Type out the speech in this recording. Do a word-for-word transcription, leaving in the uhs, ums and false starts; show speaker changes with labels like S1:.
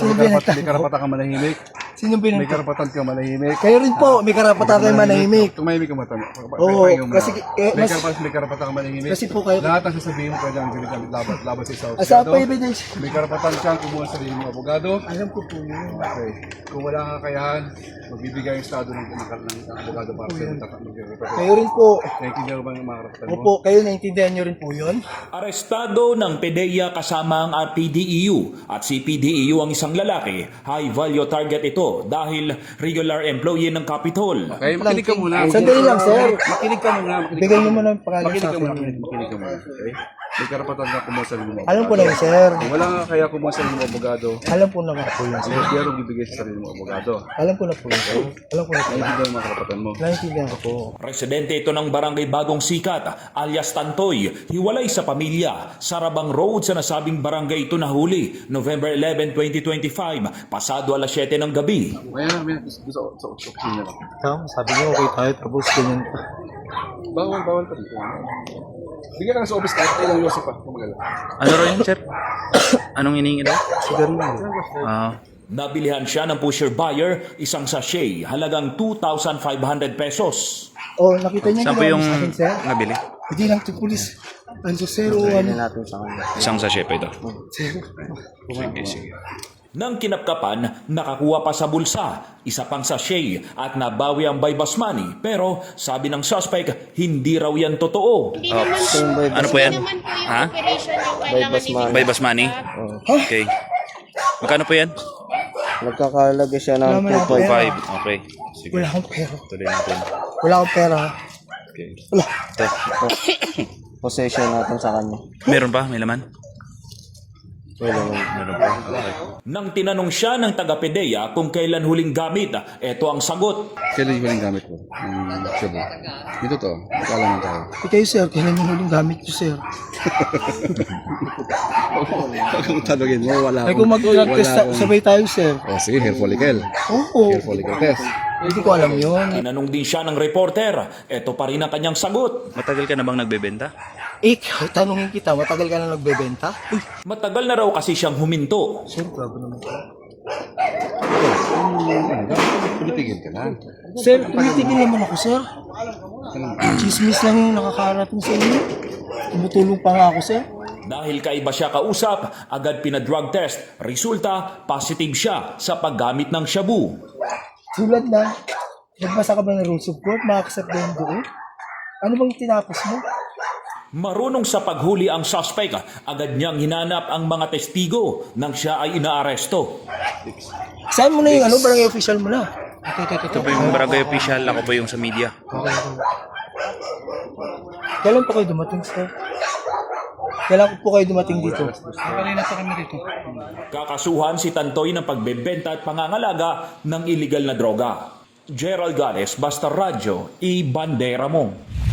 S1: Sino
S2: may,
S1: binata?
S2: karapat, may karapatan ka manahimik.
S1: Sino
S2: May
S1: binata?
S2: karapatan ka manahimik.
S1: Kayo rin po, may karapatan kayo manahimik.
S2: Tumahimik ka matama.
S1: Oo, kasi, eh,
S2: may
S1: mas-
S2: karapatan, may karapatan ka manahimik.
S1: Kasi po kayo-
S2: Lahat ng sasabihin mo pwede ang ginagamit laban, laban sa isang
S1: Asa
S2: abogado.
S1: pa evidence?
S2: May karapatan kang kumuha sa sarili mo abogado.
S1: Alam ko po yun.
S2: Okay. Kung wala kang kakayahan, magbibigay ang estado ng ng ng abogado para sa iyo.
S1: Kayo rin po.
S2: Naintindihan mo ba ang mga karapatan mo?
S1: Opo, kayo naintindihan nyo rin po yun?
S3: Arestado ng PDEA kasama ang R P D E U at si P D E U ang isang lalaki. High value target ito dahil regular employee ng Capitol.
S2: Okay, makinig ka muna.
S1: Sandali lang, sir.
S2: Makinig ka muna. Makinig
S1: Bigay
S2: ka
S1: nyo
S2: muna.
S1: muna ang pangalan
S2: Makinig
S1: sa
S2: ka
S1: akin.
S2: muna. Makinig, makinig ka muna. Okay? May karapatan ka kumuha sa sarili mo.
S1: Alam ko na yun, sir.
S2: Kung wala nga kaya kumuha sa sarili mo abogado,
S1: Alam ko na nga po yun,
S2: ang
S1: sir.
S2: gobyerno bibigay sa sarili mo abogado.
S1: Alam ko na po yun, sir. Alam ko na po.
S2: Naintindihan mo mga karapatan mo.
S1: Naintindihan ko po.
S3: Residente ito ng Barangay Bagong Sikat alias Tantoy, hiwalay sa pamilya. Sarabang Road sa nasabing barangay ito nahuli November eleventh, twenty twenty-five, pasado alas siyete ng gabi.
S2: Kaya namin gusto sa sa opisina lang.
S1: Tama, sabi niyo okay tayo, tapos ganyan.
S2: Bawal, bawal pa dito. Bigyan ka lang sa office kahit ilang Yosef pa. Kumagala.
S4: Ano raw yun, sir? Anong hinihingi daw?
S1: Siguro na.
S4: Ah,
S3: Nabilihan siya ng pusher buyer, isang sachet, halagang two thousand five hundred pesos.
S1: Oh, nakita niyo
S4: saan po yung
S1: sa akin, sir?
S4: nabili?
S1: Hindi lang ito, pulis. Ano, sir, o ano?
S4: Isang sachet pa ito.
S1: Sir,
S4: Sige, sige.
S3: Nang kinapkapan, nakakuha pa sa bulsa, isa pang sachet at nabawi ang buy-bus money. Pero sabi ng suspect, hindi raw yan totoo.
S5: Hindi naman po.
S4: Ano po yan?
S5: Hindi naman po yung
S4: Ha?
S5: operation yung kailangan ibigay.
S4: By bus money? Okay. Magkano po yan?
S6: Nagkakalaga siya ng
S1: Wala man ako
S6: two point
S1: pera.
S4: five. Okay. Sige.
S1: wala akong pera.
S4: Tuloy natin.
S1: Wala akong pera.
S4: Okay.
S1: Wala.
S4: Ito.
S6: possession natin sa kanya.
S4: Meron pa? May laman?
S6: Wala lang.
S4: Meron pa. Okay.
S3: Nang tinanong siya ng taga-PDEA kung kailan huling gamit, eto ang sagot.
S2: Kailan yung gamit ko? Ang Cebu. Ito to. Kala mo tayo.
S1: Eh, kayo, sir, kailan yung huling gamit ko, sir?
S2: Huwag kang tanongin mo. Wala
S1: Ay, kung mag-drug
S2: wala
S1: test,
S2: akong-
S1: sabay tayo, sir.
S2: Oh, sige, hair follicle.
S1: Oo.
S2: Hair follicle test.
S1: Hindi ko alam yun.
S3: Tinanong din siya ng reporter, eto pa rin ang kanyang sagot.
S4: Matagal ka na bang nagbebenta?
S1: Ikaw, tanungin kita, matagal ka na nagbebenta? Uy,
S3: Matagal na raw kasi siyang huminto.
S1: sir, grabe naman.
S2: Pilitigil ka na.
S1: Sir, tumitigil naman ako, sir. Chismis lang yung nakakarating sa inyo. Tumutulong pa nga ako, sir.
S3: Dahil kaiba siya kausap, agad pinadrug test. Resulta, positive siya sa paggamit ng shabu.
S1: Tulad na, nagbasa ka ba ng rules of court? Makakasap ba yung doon? Ano bang tinapos mo?
S3: Marunong sa paghuli ang suspect, agad niyang hinanap ang mga testigo nang siya ay inaaresto.
S1: Saan mo na yung ano, barangay official mo na?
S4: Ito po yung barangay official. Ako po yung sa media.
S1: Kailan pa kayo dumating, sir? Kailan po kayo dumating dito?
S3: Kakasuhan si Tantoy ng pagbebenta at pangangalaga ng iligal na droga. Gerald Gales, Basta Radyo, i-bandera mo.